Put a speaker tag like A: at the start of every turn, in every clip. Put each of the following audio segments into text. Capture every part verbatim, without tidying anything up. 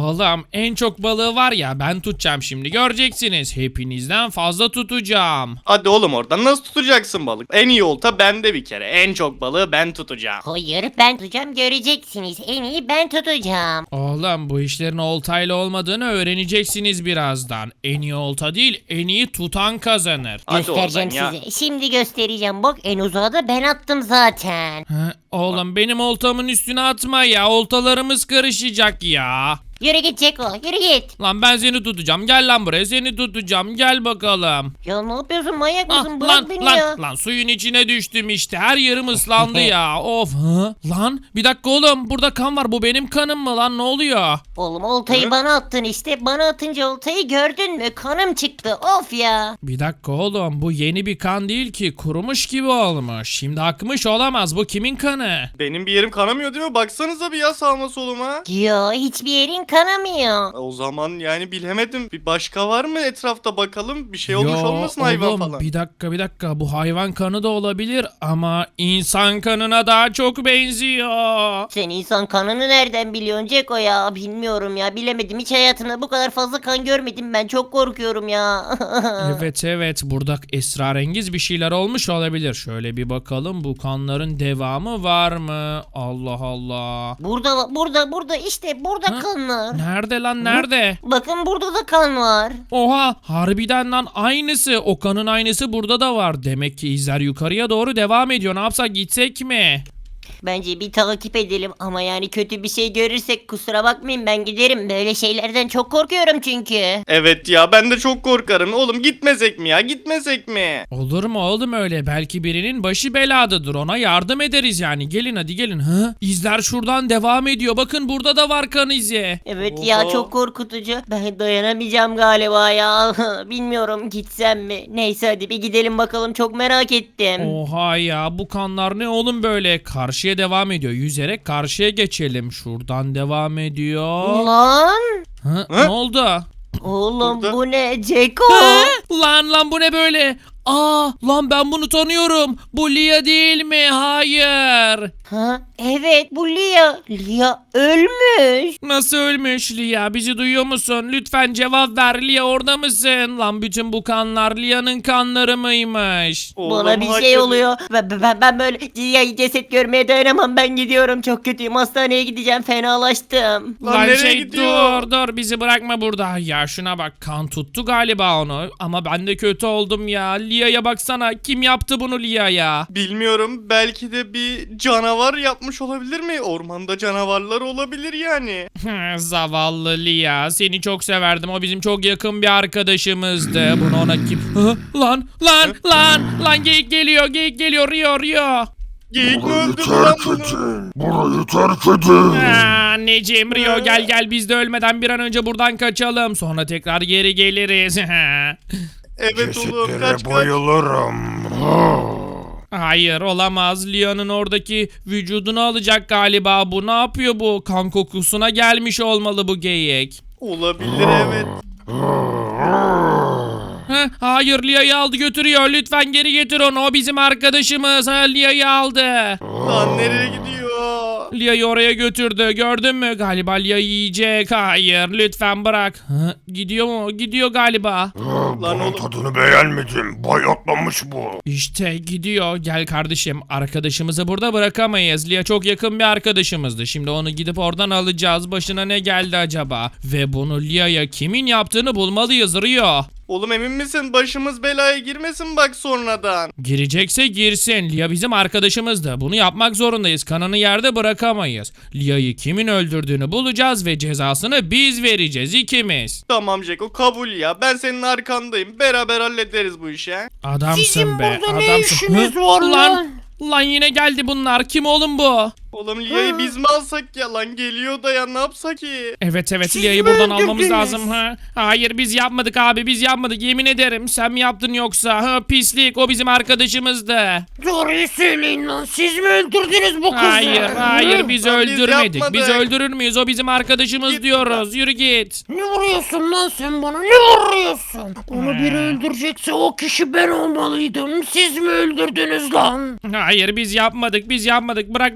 A: Oğlum en çok balığı var ya ben tutacağım şimdi göreceksiniz. Hepinizden fazla tutacağım.
B: Hadi oğlum oradan nasıl tutacaksın balık? En iyi olta bende bir kere. En çok balığı ben tutacağım.
C: Hayır ben tutacağım göreceksiniz. En iyi ben tutacağım.
A: Oğlum bu işlerin oltayla olmadığını öğreneceksiniz birazdan. En iyi olta değil en iyi tutan kazanır.
B: Hadi
C: Göstereceğim
B: oradan ya.
C: size. Şimdi göstereceğim. Bak en uzağa da ben attım zaten.
A: Hı, oğlum benim oltamın üstüne atma ya oltalarımız karışacak ya.
C: Yürü git Ceko yürü git.
A: Lan ben seni tutacağım gel lan buraya seni tutacağım gel bakalım.
C: Ya ne yapıyorsun manyak
A: Ah,
C: mısın? Bırak
A: lan
C: beni
A: lan
C: ya.
A: lan suyun içine düştüm işte her yerim ıslandı ya of. Hı? Lan bir dakika oğlum burada kan var bu benim kanım mı lan ne oluyor?
C: Oğlum oltayı
B: Hı?
C: bana attın işte. Bana atınca oltayı gördün mü? Kanım çıktı. Of ya.
A: Bir dakika oğlum bu yeni bir kan değil ki kurumuş gibi olmuş. Şimdi akmış olamaz bu kimin kanı?
B: Benim bir yerim kanamıyor değil mi? Baksanıza bir ya sağıma soluma.
C: Ya hiçbir yerin kanamıyor.
B: O zaman yani bilemedim. Bir başka var mı etrafta bakalım? Bir şey olmuş
A: Yo,
B: olmasın hayvan
A: oğlum,
B: falan.
A: Bir dakika bir dakika bu hayvan kanı da olabilir ama insan kanına daha çok benziyor.
C: Sen insan kanını nereden biliyorsun Ceko ya? Bilmiyorum ya. Bilemedim. Hiç hayatımda bu kadar fazla kan görmedim ben. Çok korkuyorum ya.
A: Evet evet burada esrarengiz bir şeyler olmuş olabilir. Şöyle bir bakalım bu kanların devamı var mı? Allah Allah.
C: Burada burada burada işte burada
A: Ha?
C: kan var.
A: Nerede lan nerede?
C: Bakın burada da kan var.
A: Oha harbiden lan aynısı. O kanın aynısı burada da var. Demek ki izler yukarıya doğru devam ediyor. Ne yapsak gitsek mi?
C: Bence bir takip edelim ama yani kötü bir şey görürsek kusura bakmayın ben giderim. Böyle şeylerden çok korkuyorum çünkü.
B: Evet ya ben de çok korkarım. Oğlum gitmesek mi ya? Gitmesek mi?
A: Olur mu oğlum öyle? Belki birinin başı beladadır. Ona yardım ederiz yani. Gelin hadi gelin. Hı? İzler şuradan devam ediyor. Bakın burada da var kan izi.
C: Evet ya
B: Oha.
C: çok korkutucu. Ben dayanamayacağım galiba ya. Bilmiyorum gitsem mi? Neyse hadi bir gidelim bakalım çok merak ettim.
A: Oha ya bu kanlar ne oğlum böyle? Karşıya devam ediyor. Yüzerek karşıya geçelim. Şuradan devam ediyor.
C: Lan
A: Hı?
B: Hı?
A: Ne oldu?
C: oğlum
B: Burada-
C: bu ne Ceko?
A: Hı? Lan lan bu ne böyle? Aa lan ben bunu tanıyorum. Bu Lia değil mi? Hayır.
C: Ha evet bu Lia. Lia ölmüş.
A: Nasıl ölmüş Lia? Bizi duyuyor musun? Lütfen cevap ver. Lia orada mısın? Lan bütün bu kanlar Lia'nın kanları mıymış?
B: Oğlum,
C: Bana bir şey
B: hakikaten-
C: oluyor. Ben, ben, ben böyle Lia'yı ceset görmeye dayanamam. Ben gidiyorum çok kötüyüm. Hastaneye gideceğim. Fenalaştım.
B: Lan
A: Lan
B: nereye
A: şey
B: gidiyor?
A: dur dur bizi bırakma burada. Ya şuna bak kan tuttu galiba onu. Ama ben de kötü oldum ya. Lia'ya baksana. Kim yaptı bunu Lia'ya?
B: Bilmiyorum. Belki de bir canavar yapmış olabilir mi? Ormanda canavarlar olabilir yani.
A: Zavallı Lia. Seni çok severdim. O bizim çok yakın bir arkadaşımızdı. Bunu ona kim... Hı? Lan lan lan lan geyik geliyor geyik geliyor Rio Rio.
B: Geyik mi
D: Burayı
B: öldürdü lan
D: terk
B: bunu?
D: edin. Burayı terk edin.
A: Aa, Anneciğim Rio gel gel biz de ölmeden bir an önce buradan kaçalım. Sonra tekrar geri geliriz.
B: Evet oğlum
D: Cesetlere
B: kaç kaç.
D: bayılırım.
A: Hayır olamaz. Lia'nın oradaki vücudunu alacak galiba bu. Ne yapıyor bu? Kan kokusuna gelmiş olmalı bu geyik.
B: Olabilir evet.
A: Heh, hayır Lia'yı aldı götürüyor. Lütfen geri getir onu. O bizim arkadaşımız. Ha, Lia'yı aldı.
B: Lan nereye gidiyor?
A: Lia'yı oraya götürdü. Gördün mü? Galiba Lia'yı yiyecek. Hayır lütfen bırak. Ha, gidiyor mu? Gidiyor galiba.
B: Lan
D: Bunun
B: oğlum.
D: tadını beğenmedim. Bayatlamış bu.
A: İşte gidiyor. Gel kardeşim. Arkadaşımızı burada bırakamayız. Lia çok yakın bir arkadaşımızdı. Şimdi onu gidip oradan alacağız. Başına ne geldi acaba? Ve bunu Lia'ya kimin yaptığını bulmalıyız Rio.
B: Oğlum emin misin? Başımız belaya girmesin bak sonradan.
A: Girecekse girsin. Lia bizim arkadaşımızdı. Bunu yapmak zorundayız. Kanını yerde bırakamayız. Lia'yı kimin öldürdüğünü bulacağız ve cezasını biz vereceğiz ikimiz.
B: Tamam Jeko kabul ya. Ben senin arkandayım. Beraber hallederiz bu işi. he?
A: Adamsın
C: Sizin
A: be.
C: burada ne
A: adamsın.
C: işiniz
A: Hı?
C: var
A: lan?
C: lan?
A: Lan yine geldi bunlar. Kim oğlum bu?
B: Oğlum Lia'yı biz mi alsak ya lan? Geliyor da ya ne yapsak ki?
A: Evet evet
C: Siz
A: Lia'yı
C: mi
A: buradan almamız
C: öldürdünüz?
A: lazım ha. Hayır biz yapmadık abi biz yapmadık yemin ederim. Sen mi yaptın yoksa? Ha pislik o bizim arkadaşımızdı.
C: Doğruyu söyleyin lan. Siz mi öldürdünüz bu kızı?
A: Hayır hayır biz
B: Lan biz
A: öldürmedik.
B: yapmadık.
A: Biz öldürür müyüz? O bizim arkadaşımız
B: Git
A: diyoruz. Yürü git.
C: Ne vuruyorsun lan sen bana? Ne vuruyorsun? Onu biri öldürecekse o kişi ben olmalıydım. Siz mi öldürdünüz lan?
A: Hayır biz yapmadık biz yapmadık. Bırak lütfen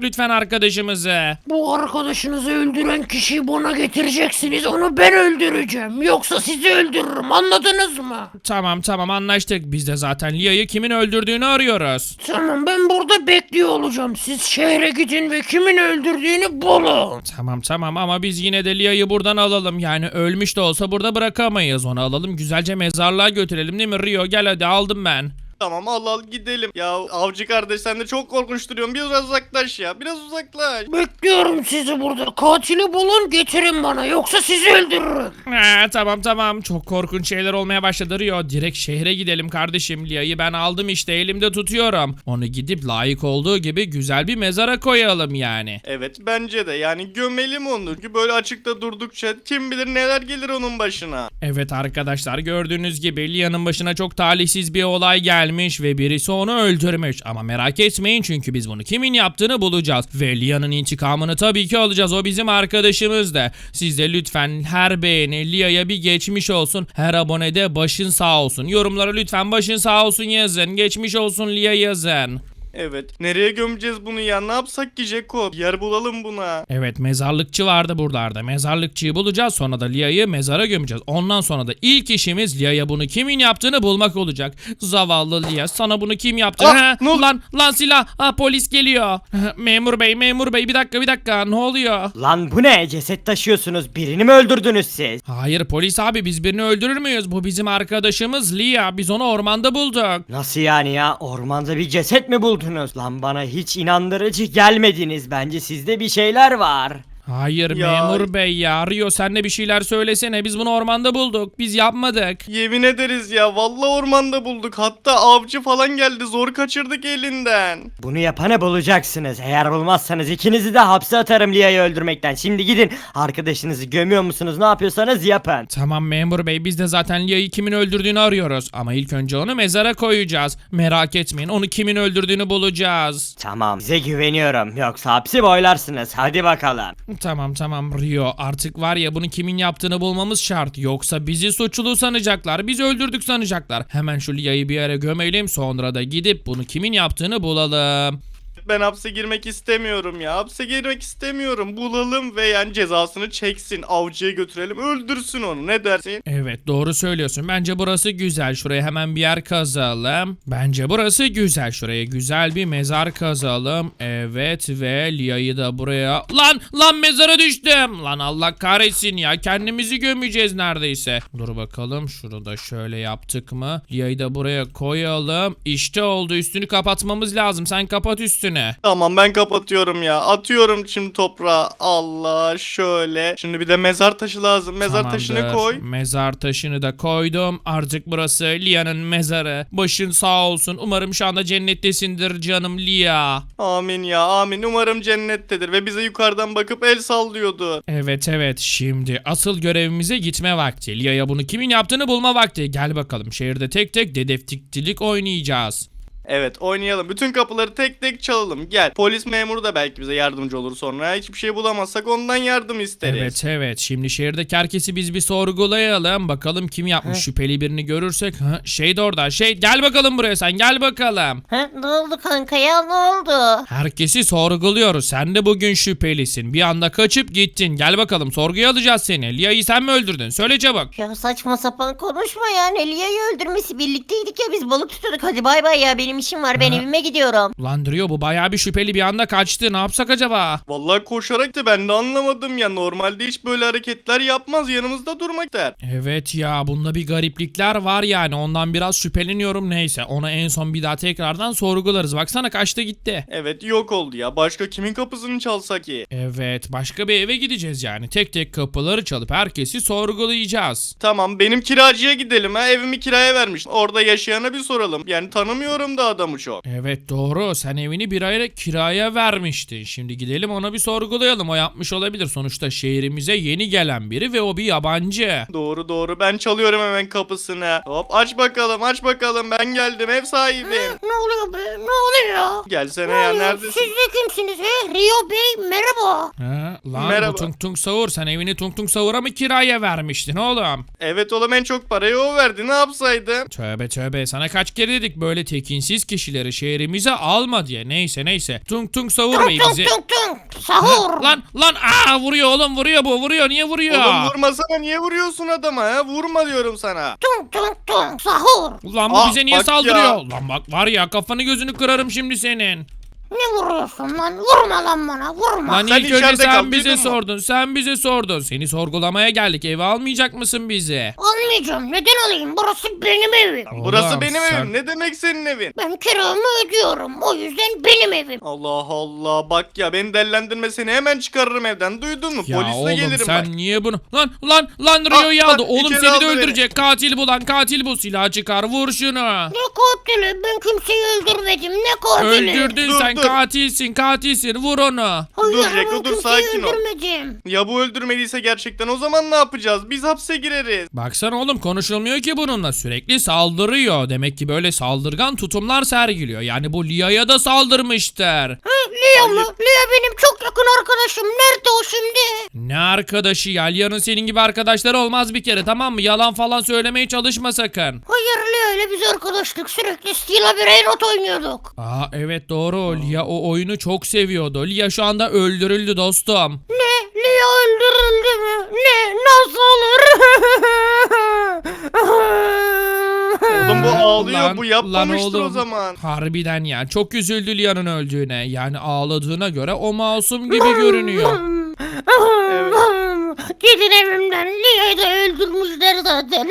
A: arkadaşımızı.
E: Bu arkadaşınızı öldüren kişiyi bana getireceksiniz. Onu ben öldüreceğim. Yoksa sizi öldürürüm. Anladınız mı?
A: Tamam tamam anlaştık. Biz de zaten Lia'yı kimin öldürdüğünü arıyoruz.
E: Tamam, ben burada bekliyor olacağım. Siz şehre gidin ve kimin öldürdüğünü bulun.
A: Tamam tamam ama biz yine de Lia'yı buradan alalım. Yani ölmüş de olsa burada bırakamayız. Onu alalım güzelce mezarlığa götürelim değil mi Rio? Gel hadi aldım ben.
B: Tamam al al gidelim. Ya avcı kardeş sen de çok korkunç duruyorsun. Biraz uzaklaş ya. Biraz uzaklaş.
E: Bekliyorum sizi burada. Katili bulun, getirin bana. Yoksa sizi öldürürüm.
A: Ha, tamam tamam çok korkunç şeyler olmaya başladı Rio. Direkt şehre gidelim kardeşim. Lia'yı ben aldım işte elimde tutuyorum. Onu gidip layık olduğu gibi güzel bir mezara koyalım yani.
B: Evet bence de yani gömelim onu. Çünkü böyle açıkta durdukça kim bilir neler gelir onun başına.
A: Evet arkadaşlar gördüğünüz gibi Lia'nın başına çok talihsiz bir olay gelmiş ve birisi onu öldürmüş. Ama merak etmeyin çünkü biz bunu kimin yaptığını bulacağız. Ve Lia'nın intikamını tabii ki alacağız. O bizim arkadaşımız da. Siz de lütfen her beğeni Lia'ya bir geçmiş olsun. Her abonede başın sağ olsun. Yorumlara lütfen başın sağ olsun yazın. Geçmiş olsun Lia yazın.
B: Evet. Nereye gömeceğiz bunu ya? Ne yapsak ki Jeko? Bir yer bulalım buna.
A: Evet mezarlıkçı vardı buralarda. Mezarlıkçıyı bulacağız sonra da Lia'yı mezara gömeceğiz. Ondan sonra da ilk işimiz Lia'ya bunu kimin yaptığını bulmak olacak. Zavallı Lia sana bunu kim yaptı?
B: Ah,
A: Ha?
B: ne oldu?
A: Lan lan silah. Ha, polis geliyor. Memur bey memur bey bir dakika bir dakika ne oluyor?
F: Lan bu ne? Ceset taşıyorsunuz. Birini mi öldürdünüz siz?
A: Hayır polis abi biz birini öldürür müyüz? Bu bizim arkadaşımız Lia. Biz onu ormanda bulduk.
F: Nasıl yani ya? Ormanda bir ceset mi buldunuz? Lan bana hiç inandırıcı gelmediniz. Bence sizde bir şeyler var.
A: Hayır
B: Ya-
A: memur bey ya. Rio sen de bir şeyler söylesene. Biz bunu ormanda bulduk. Biz yapmadık.
B: Yemin ederiz ya. Vallahi ormanda bulduk. Hatta avcı falan geldi. Zor kaçırdık elinden.
F: Bunu yapanı bulacaksınız. Eğer bulmazsanız ikinizi de hapse atarım Lia'yı öldürmekten. Şimdi gidin. Arkadaşınızı gömüyor musunuz? Ne yapıyorsanız yapın.
A: Tamam memur bey biz de zaten Lia'yı kimin öldürdüğünü arıyoruz. Ama ilk önce onu mezara koyacağız. Merak etmeyin onu kimin öldürdüğünü bulacağız.
F: Tamam, size güveniyorum. Yoksa hapsi boylarsınız. Hadi bakalım.
A: Tamam tamam Rio artık var ya bunu kimin yaptığını bulmamız şart. Yoksa bizi suçlu sanacaklar. Biz öldürdük sanacaklar. Hemen şu Lia'yı bir yere gömelim sonra da gidip bunu kimin yaptığını bulalım.
B: Ben hapse girmek istemiyorum ya. Hapse girmek istemiyorum. Bulalım ve yani cezasını çeksin. Avcıya götürelim. Öldürsün onu. Ne dersin?
A: Evet doğru söylüyorsun. Bence burası güzel. Şuraya hemen bir yer kazalım. Bence burası güzel. Şuraya güzel bir mezar kazalım. Evet ve Lia'yı da buraya... Lan lan mezara düştüm. Lan Allah kahretsin ya. Kendimizi gömeceğiz neredeyse. Dur bakalım. Şunu da şöyle yaptık mı? Lia'yı da buraya koyalım. İşte oldu. Üstünü kapatmamız lazım. Sen kapat üstünü.
B: Tamam ben kapatıyorum ya. Atıyorum şimdi toprağa. Allah şöyle. Şimdi bir de mezar taşı lazım. Mezar taşını
A: Tamamdır.
B: koy.
A: Mezar taşını da koydum. Artık burası Lia'nın mezarı. Başın sağ olsun. Umarım şu anda cennettesindir canım Lia.
B: Amin ya amin. Umarım cennettedir ve bize yukarıdan bakıp el sallıyordu.
A: Evet evet şimdi asıl görevimize gitme vakti. Lia'ya bunu kimin yaptığını bulma vakti. Gel bakalım şehirde tek tek dedektifçilik oynayacağız.
B: Evet oynayalım. Bütün kapıları tek tek çalalım. Gel. Polis memuru da belki bize yardımcı olur sonra. Hiçbir şey bulamazsak ondan yardım isteriz.
A: Evet evet şimdi şehirdeki herkesi biz bir sorgulayalım. Bakalım kim yapmış şüpheli birini görürsek. Ha, şey de orada şey gel bakalım buraya sen gel bakalım.
C: Ha, ne oldu kanka ya ne oldu?
A: Herkesi sorguluyoruz. Sen de bugün şüphelisin. Bir anda kaçıp gittin. Gel bakalım sorguya alacağız seni. Lia'yı sen mi öldürdün? Söyle çabuk.
C: Ya saçma sapan konuşma yani. Lia'yı öldürmesi birlikteydik ya biz balık tutuyorduk. Hadi bay bay ya benim işim var ben
A: Ha?
C: evime gidiyorum.
A: Ulan Rio bu bayağı bir şüpheli bir anda kaçtı. Ne yapsak acaba?
B: Vallahi koşarak da ben de anlamadım ya. Normalde hiç böyle hareketler yapmaz. Yanımızda durmak der.
A: Evet ya bunda bir gariplikler var yani. Ondan biraz şüpheleniyorum neyse. Onu en son bir daha tekrardan sorgularız. Baksana kaçtı gitti.
B: Evet yok oldu ya. Başka kimin kapısını çalsak ki?
A: Evet başka bir eve gideceğiz yani. Tek tek kapıları çalıp herkesi sorgulayacağız.
B: Tamam benim kiracıya gidelim ha. Evimi kiraya vermiş. Orada yaşayana bir soralım. Yani tanımıyorum da adamı çok.
A: Evet doğru sen evini bir ayda kiraya vermiştin. Şimdi gidelim ona bir sorgulayalım. O yapmış olabilir. Sonuçta şehrimize yeni gelen biri ve o bir yabancı.
B: Doğru doğru ben çalıyorum hemen kapısını. Hop aç bakalım aç bakalım ben geldim ev sahibim.
E: Ne oluyor be? Ne oluyor?
B: Gelsene
E: Ne
B: ya
E: oluyor?
B: neredesin?
E: Siz de kimsiniz he? Rio Bey merhaba.
A: Ha, lan
B: Merhaba.
A: bu Tung Tung Savur sen evini Tung Tung Savur'a mı kiraya vermiştin oğlum?
B: Evet oğlum en çok parayı o verdi ne yapsaydım?
A: Tövbe tövbe sana kaç kere dedik böyle tekinsiz şüphesiz kişileri şehrimize alma diye. Neyse neyse. Tung tung savur bey
E: Tung
A: bizi.
E: tung tung. Sahur.
A: Lan lan aa vuruyor oğlum vuruyor bu vuruyor niye vuruyor?
B: Oğlum vurmasana, niye vuruyorsun adama ha? Vurma diyorum sana.
E: Tung tung tung. Sahur.
A: Ulan bu
B: Ah,
A: bize niye
B: bak
A: saldırıyor?
B: ya.
A: Lan bak var ya kafanı gözünü kırarım şimdi senin.
E: Ne vuruyorsun lan? Vurma lan bana. Vurma.
A: Lan
B: sen
A: ilk önce
B: içeride
A: sen
B: kal,
A: bize
B: duydun mu?
A: sordun. Sen bize sordun. Seni sorgulamaya geldik. Eve almayacak mısın bizi?
E: Almayacağım. Neden alayım? Burası benim evim.
B: Burası
A: Ulan
B: benim
A: sen-
B: evim. Ne demek senin evin?
E: Ben kiramı ödüyorum. O yüzden benim evim.
B: Allah Allah, bak ya, beni dellendirme, seni hemen çıkarırım evden. Duydun mu?
A: Ya
B: Polisle
A: oğlum
B: gelirim
A: sen
B: bak.
A: niye bunu... Lan lan lan Rio'yu
B: Ah,
A: aldı.
B: bak,
A: Oğlum
B: içeri
A: seni de
B: aldı beni.
A: öldürecek. Katil bu lan katil bu. Silah çıkar vur şunu.
E: Ne katili? Ben kimseyi öldürmedim. Ne katili?
A: Öldürdün
B: Dur,
A: sen
B: dur.
A: katilsin katilsin vur onu.
E: Hayır,
B: Dur
E: ben
B: Jacko, dur,
E: kimseyi
B: sakin ol.
E: öldürmedim.
B: Ya bu öldürmediyse gerçekten o zaman ne yapacağız? Biz hapse gireriz.
A: Baksana oğlum konuşulmuyor ki bununla sürekli saldırıyor. Demek ki böyle saldırgan tutumlar sergiliyor. Yani bu Lia'ya da saldırmıştır.
E: Ha, Lia mı? Lia benim çok yakın arkadaşım. Nerede o şimdi?
A: Ne arkadaşı ya? Lia'nın senin gibi arkadaşları olmaz bir kere tamam mı? Yalan falan söylemeye çalışma sakın.
E: Hayır, Lia ile biz arkadaşlık. Sürekli Steel'a bir Railroad oynuyorduk.
A: Aa evet doğru. Lia o oyunu çok seviyordu. Lia şu anda öldürüldü dostum.
E: Ne? Lia öldürüldü mü? Ne? Nasıl olur?
B: Oğlum bu ağlıyor,
A: Lan-
B: bu
A: lan
B: yapmamıştır o
A: oğlum.
B: zaman.
A: Harbiden ya. Çok üzüldü Lia'nın öldüğüne. Yani ağladığına göre o masum gibi görünüyor.
E: Gidin evimden. Lia'yı da öldürmüşler zaten.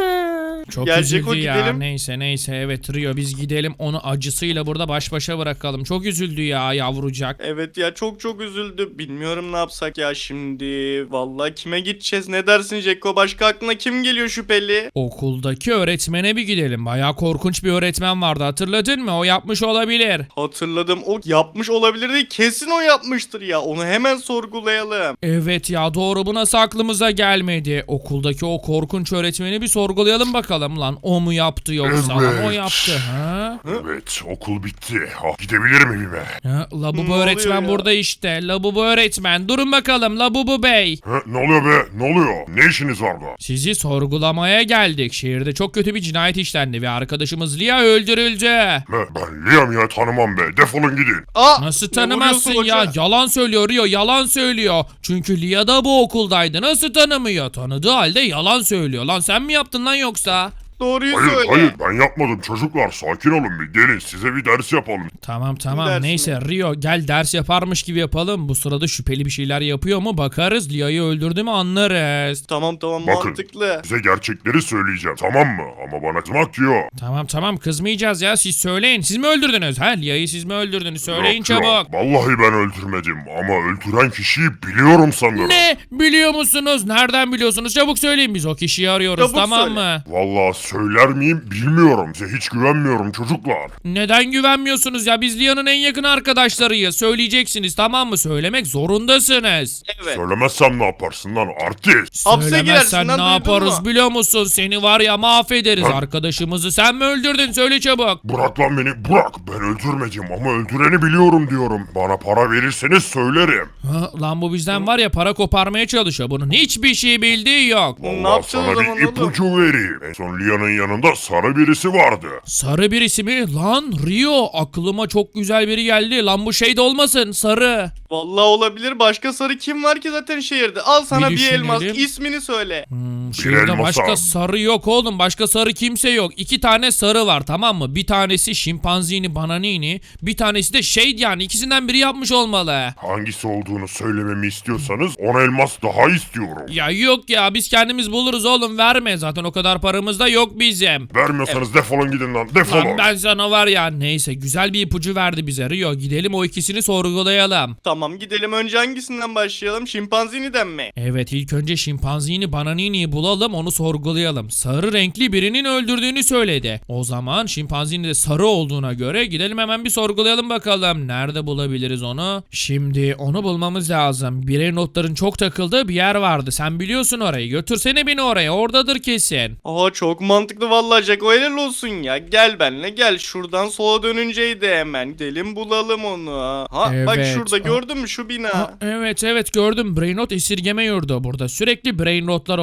A: Çok
B: Gel
A: üzüldü
B: Ceko,
A: ya.
B: gidelim.
A: Neyse neyse evet Rio biz gidelim onu acısıyla burada baş başa bırakalım. Çok üzüldü ya yavrucak.
B: Evet ya, çok çok üzüldü. Bilmiyorum ne yapsak ya şimdi. Vallahi kime gideceğiz? Ne dersin Jacko? Başka aklına kim geliyor şüpheli?
A: Okuldaki öğretmene bir gidelim. Bayağı korkunç bir öğretmen vardı hatırladın mı? O yapmış olabilir.
B: Hatırladım, o yapmış olabilir değil. Kesin o yapmıştır ya. Onu hemen sorgulayalım.
A: Evet ya doğru bu nasıl aklımıza gelmedi. Okuldaki o korkunç öğretmeni bir sorgulayalım bakalım lan. O mu yaptı yoksa lan o
D: Evet.
A: yaptı ha?
D: Evet, okul bitti. Ah, gidebilirim evime.
A: Ha, Labubu
B: Ne oluyor
A: öğretmen
B: ya?
A: burada işte. Labubu öğretmen. Durun bakalım Labubu Bey.
D: Ha, ne oluyor be? Ne oluyor? Ne işiniz var da?
A: Sizi sorgulamaya geldik. Şehirde çok kötü bir cinayet işlendi ve arkadaşımız Lia öldürüldü.
D: Ha, ben Liam ya, tanımam be. Defolun gidin.
B: Aa,
A: Nasıl
B: ne
A: tanımazsın
B: vuruyorsun
A: ya?
B: hoca?
A: Yalan söylüyor Rio, yalan söylüyor. Çünkü Lia da bu okuldaydı. Nasıl tanımıyor? Tanıdığı halde yalan söylüyor. Lan sen mi yaptın lan yoksa?
B: Doğruyu
D: Hayır
B: söyle.
D: hayır, ben yapmadım çocuklar. Sakin olun bir. Gelin size bir ders yapalım.
A: Tamam tamam
B: Dersin
A: neyse Rio gel ders yaparmış gibi yapalım. Bu sırada şüpheli bir şeyler yapıyor mu bakarız. Lia'yı öldürdü mü anlarız.
B: Tamam tamam,
D: Bakın.
B: mantıklı.
D: Size gerçekleri söyleyeceğim, tamam mı? Ama bana kızmak yok.
A: Tamam tamam kızmayacağız ya siz söyleyin. Siz mi öldürdünüz? Ha Lia'yı siz mi öldürdünüz? Söyleyin
D: Yok, yok.
A: çabuk.
D: Vallahi ben öldürmedim ama öldüren kişiyi biliyorum sanırım.
A: Ne? Biliyor musunuz? Nereden biliyorsunuz? Çabuk söyleyin biz o kişiyi arıyoruz
B: Çabuk
A: tamam
B: söyle.
A: mı?
D: Vallahi söyler miyim bilmiyorum. Size hiç güvenmiyorum çocuklar.
A: Neden güvenmiyorsunuz ya? Biz Lia'nın en yakın arkadaşlarıyız. Söyleyeceksiniz tamam mı? Söylemek zorundasınız.
B: Evet.
D: Söylemezsem ne yaparsın lan artist?
B: Hapse
A: Söylemezsen
B: girersin lan,
A: ne
B: duydun
A: yaparız
B: mu?
A: biliyor musun? Seni var ya mahvederiz.
D: Ha?
A: Arkadaşımızı sen mi öldürdün? Söyle çabuk.
D: Bırak lan beni, bırak. Ben öldürmedim ama öldüreni biliyorum diyorum. Bana para verirseniz söylerim.
A: Ha, lan bu bizden var ya para koparmaya çalışıyor. Bunun hiçbir şey bildiği yok.
B: Ne
D: Vallahi
B: yapacağız o
D: sana
B: zaman
D: bir
B: oğlum?
D: ipucu vereyim. En son Lia'nın yanında sarı birisi vardı.
A: Sarı birisi mi? Lan Rio aklıma çok güzel biri geldi. Lan bu şey de olmasın sarı.
B: Vallahi olabilir. Başka sarı kim var ki zaten şehirde? Al sana
A: Bir
B: bir, elmas.
A: düşünelim.
B: İsmini söyle.
A: Hmm, şehirde
D: elmasam.
A: başka sarı yok oğlum. Başka sarı kimse yok. İki tane sarı var tamam mı? Bir tanesi şimpanzini bananini. Bir tanesi de şey yani ikisinden biri yapmış olmalı.
D: Hangisi olduğunu söylememi istiyorsanız on elmas daha istiyorum.
A: Ya yok ya biz kendimiz buluruz oğlum verme. Zaten o kadar paramız da yok bizim.
D: Vermiyorsanız defolun gidin lan, defolun.
A: Lan ben sana var ya neyse güzel bir ipucu verdi bize Rio. Gidelim o ikisini sorgulayalım.
B: Tamam, gidelim. Önce hangisinden başlayalım? Şimpanziniden mi?
A: Evet ilk önce şimpanzini bananini'yi bulalım onu sorgulayalım. Sarı renkli birinin öldürdüğünü söyledi. O zaman şimpanzini de sarı olduğuna göre gidelim hemen bir sorgulayalım bakalım. Nerede bulabiliriz onu? Şimdi onu bulmamız lazım. Birey notların çok takıldığı bir yer vardı. Sen biliyorsun orayı. Götürsene beni oraya. Oradadır kesin.
B: Aa, çok mantıklı vallahi Jacko, helal olsun ya. Gel benimle gel. Şuradan sola dönünceydi hemen. Gidelim bulalım onu. Ha bak
A: Evet.
B: şurada,
A: Aa.
B: gördün mü şu bina?
A: Ha, evet evet gördüm. Brain rot esirgeme yurdu burada. Sürekli brain rotlar oluyor. Bak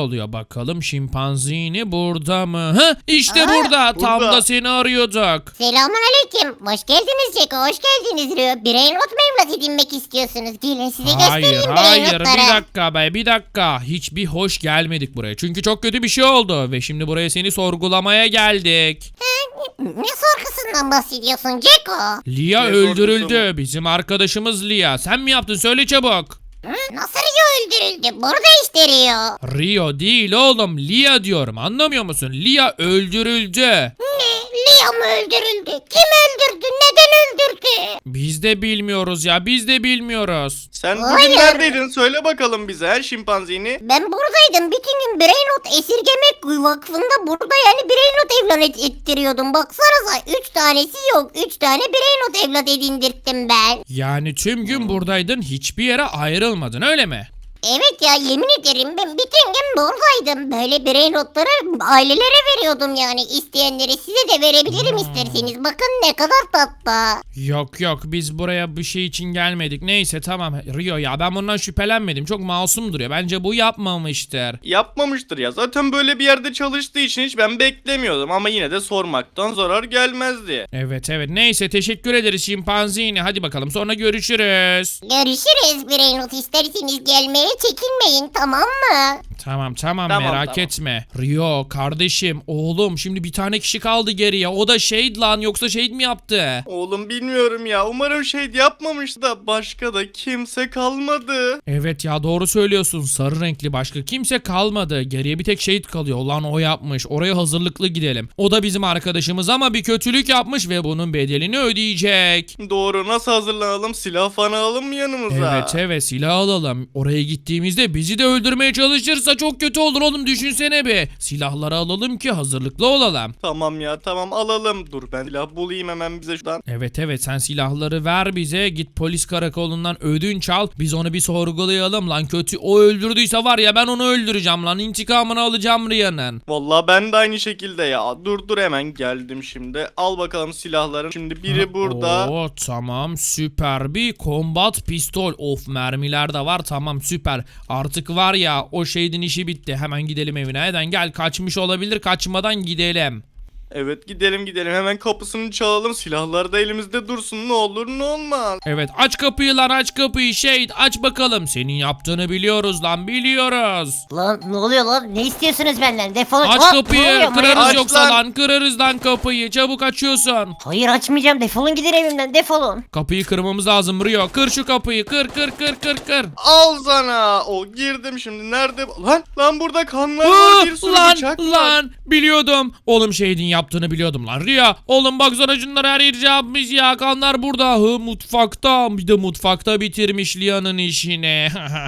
A: Bakalım şimpanzini burada mı? Hı, işte
C: Aa,
A: burada. Tam
B: burada.
A: da seni arıyorduk.
G: Selamun aleyküm. Hoş geldiniz Ceko. Hoş geldiniz Rio. Birey not mu evlat edinmek istiyorsunuz? Gelin size
A: Hayır
G: göstereyim birey
A: hayır
G: notları.
A: bir dakika be bir dakika. Hiçbir hoş gelmedik buraya. Çünkü çok kötü bir şey oldu. Ve şimdi buraya seni sorgulamaya geldik.
G: Ne sorgusundan bahsediyorsun Ceko?
A: Lia
B: Ne
A: öldürüldü.
B: sorgusu
A: Bizim arkadaşımız Lia. Sen mi yaptın? Söyle çabuk.
G: Nasıl Rio öldürüldü? Burada işte Rio.
A: Rio değil oğlum. Lia diyorum. Anlamıyor musun? Lia öldürüldü.
G: Ne? Lia mı öldürüldü? Kim öldürdü? Neden öldürdü?
A: Biz de bilmiyoruz ya. Biz de bilmiyoruz.
B: Sen
G: Hayır.
B: bugün neredeydin? Söyle bakalım bize he şimpanzini.
G: Ben buradaydım. Bütün gün birey not esirgemek vakfında burada yani birey not evlat et- ettiriyordum. Baksanıza üç tanesi yok. Üç tane birey not evlat edindirttim ben.
A: Yani tüm gün buradaydın. Hiçbir yere ayrılmadın öyle mi?
G: Evet ya yemin ederim ben bütün gün buradaydım. Böyle birey notları ailelere veriyordum yani. İsteyenleri size de verebilirim isterseniz. Bakın ne kadar tatlı.
A: Yok yok biz buraya bir şey için gelmedik. Neyse tamam Rio ya ben bundan şüphelenmedim. Çok masum duruyor. Bence bu yapmamıştır.
B: Yapmamıştır ya. Zaten böyle bir yerde çalıştığı için hiç ben beklemiyordum. Ama yine de sormaktan zarar gelmezdi.
A: Evet evet neyse teşekkür ederiz şimpanzini. Hadi bakalım sonra görüşürüz.
G: Görüşürüz birey not isterseniz gelmeye çekinmeyin tamam mı?
A: Tamam tamam,
B: Tamam,
A: merak
B: tamam.
A: etme. Rio kardeşim oğlum şimdi bir tane kişi kaldı geriye. O da Shade lan yoksa Shade mi yaptı?
B: Oğlum bilmiyorum ya. Umarım şey yapmamış da başka da kimse kalmadı.
A: Evet ya doğru söylüyorsun. Sarı renkli başka kimse kalmadı. Geriye bir tek Shade kalıyor. Ulan o yapmış. Oraya hazırlıklı gidelim. O da bizim arkadaşımız ama bir kötülük yapmış ve bunun bedelini ödeyecek.
B: Doğru, nasıl hazırlanalım? Silah falan alalım mı yanımıza?
A: Evet evet silah alalım. Oraya gittiğimizde bizi de öldürmeye çalışırsa çok kötü olur oğlum düşünsene bir. Silahları alalım ki hazırlıklı olalım.
B: Tamam ya tamam alalım. Dur ben silah bulayım hemen bize şuradan.
A: Evet evet sen silahları ver bize. Git polis karakolundan ödünç al. Biz onu bir sorgulayalım lan. Kötü o öldürdüyse var ya ben onu öldüreceğim lan. İntikamını alacağım Riya'nın.
B: Vallahi ben de aynı şekilde ya. Dur dur hemen geldim şimdi. Al bakalım silahların. Şimdi biri burada.
A: Oo tamam süper bir kombat pistol. Of mermiler de var tamam süper. Artık var ya o şeydin işi bitti. Hemen gidelim evine. Neden gel kaçmış olabilir kaçmadan gidelim.
B: Evet gidelim gidelim. Hemen kapısını çalalım. Silahlar da elimizde dursun. Ne olur ne olmaz.
A: Evet aç kapıyı lan aç kapıyı Shade aç bakalım. Senin yaptığını biliyoruz lan biliyoruz.
C: Lan ne oluyor lan? Ne istiyorsunuz benden? Defolun.
A: Aç
C: Hop, ne
A: kapıyı
C: oluyor?
A: kırarız
B: Aç
A: yoksa
B: lan.
A: lan kırarız lan kapıyı çabuk açıyorsun.
C: Hayır açmayacağım. Defolun gidin evimden. Defolun.
A: Kapıyı kırmamız lazım Rio kır şu kapıyı kır kır kır kır kır.
B: Al sana. O girdim şimdi. Nerede? Lan lan burada kanlar
A: Aa,
B: var. Bir sürü
A: lan
B: bıçak var.
A: lan biliyordum. Oğlum Shade'in yaptığını biliyordum lan. Rio oğlum baksana şunları her yeri yapmış ya. Kanlar burada. Hı mutfakta. Bir de mutfakta bitirmiş Lia'nın işini.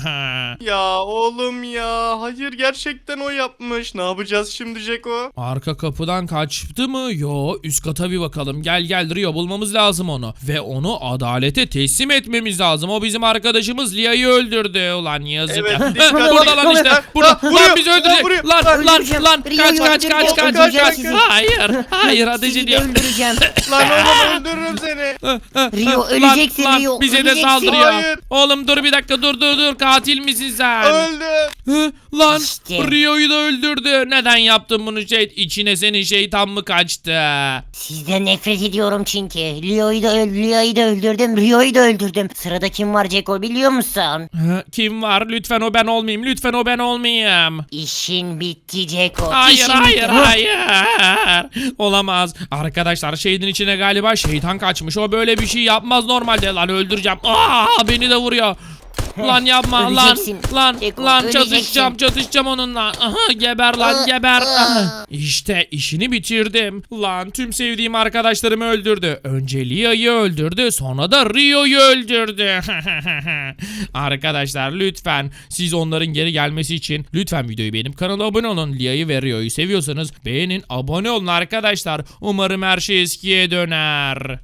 B: Ya oğlum ya. Hayır gerçekten o yapmış. Ne yapacağız şimdi Jeko?
A: Arka kapıdan kaçtı mı? Yo üst kata bir bakalım. Gel gel Rio bulmamız lazım onu. Ve onu adalete teslim etmemiz lazım. O bizim arkadaşımız Lia'yı öldürdü. Ulan yazık
B: Evet,
A: ya.
B: dikkat
A: Heh,
B: et.
A: burada lan işte.
B: Ha,
A: Burada.
B: ha, vuruyor,
A: Lan bizi öldürecek.
B: vuruyor.
A: Lan lan
C: Öldüreceğim.
A: lan.
C: Rio'yu
A: Kaç kaç kaç
C: öldüreceğim,
A: kaç
C: öldüreceğim
A: kaç.
C: sizi.
A: Hayır. Hayır ateş
C: Sizi de
A: ediyor.
C: öldüreceğim.
B: Lan oğlum öldürürüm seni.
C: Rio,
A: Lan,
C: öleceksin
A: lan,
C: Rio,
A: bize de
C: öleceksin.
A: saldırıyor.
B: Hayır.
A: Oğlum dur bir dakika dur dur dur. Katil misin sen?
B: Öldüm.
A: Hı, lan
C: İşte.
A: Rio'yu da öldürdü. Neden yaptın bunu şey? İçine senin şeytan mı kaçtı?
C: Sizden nefret ediyorum çünkü. Leo'yu da, öl Leo'yu da öldürdüm. Rio'yu da öldürdüm. Sırada kim var Ceko biliyor musun?
A: Hı, kim var? Lütfen o ben olmayayım. Lütfen o ben olmayayım.
C: İşin bitti Ceko.
A: Hayır
C: İşin
A: hayır
C: bitti.
A: hayır. Olamaz. Arkadaşlar şeydin içine galiba şeytan kaçmış. O böyle bir şey yapmaz normalde. Lan öldüreceğim. Aa beni de vuruyor. Lan yapma lan
C: Öleceksin.
A: lan
C: Ceko,
A: lan
C: öleceksin.
A: çatışacağım çatışacağım onunla. Aha geber lan
G: Aa,
A: geber.
G: aa.
A: Aha. İşte işini bitirdim. Lan tüm sevdiğim arkadaşlarımı öldürdü. Önce Lia'yı öldürdü sonra da Rio'yu öldürdü. Arkadaşlar lütfen siz onların geri gelmesi için lütfen videoyu beğenip kanala abone olun. Lia'yı ve Rio'yu seviyorsanız beğenin abone olun arkadaşlar. Umarım her şey eskiye döner.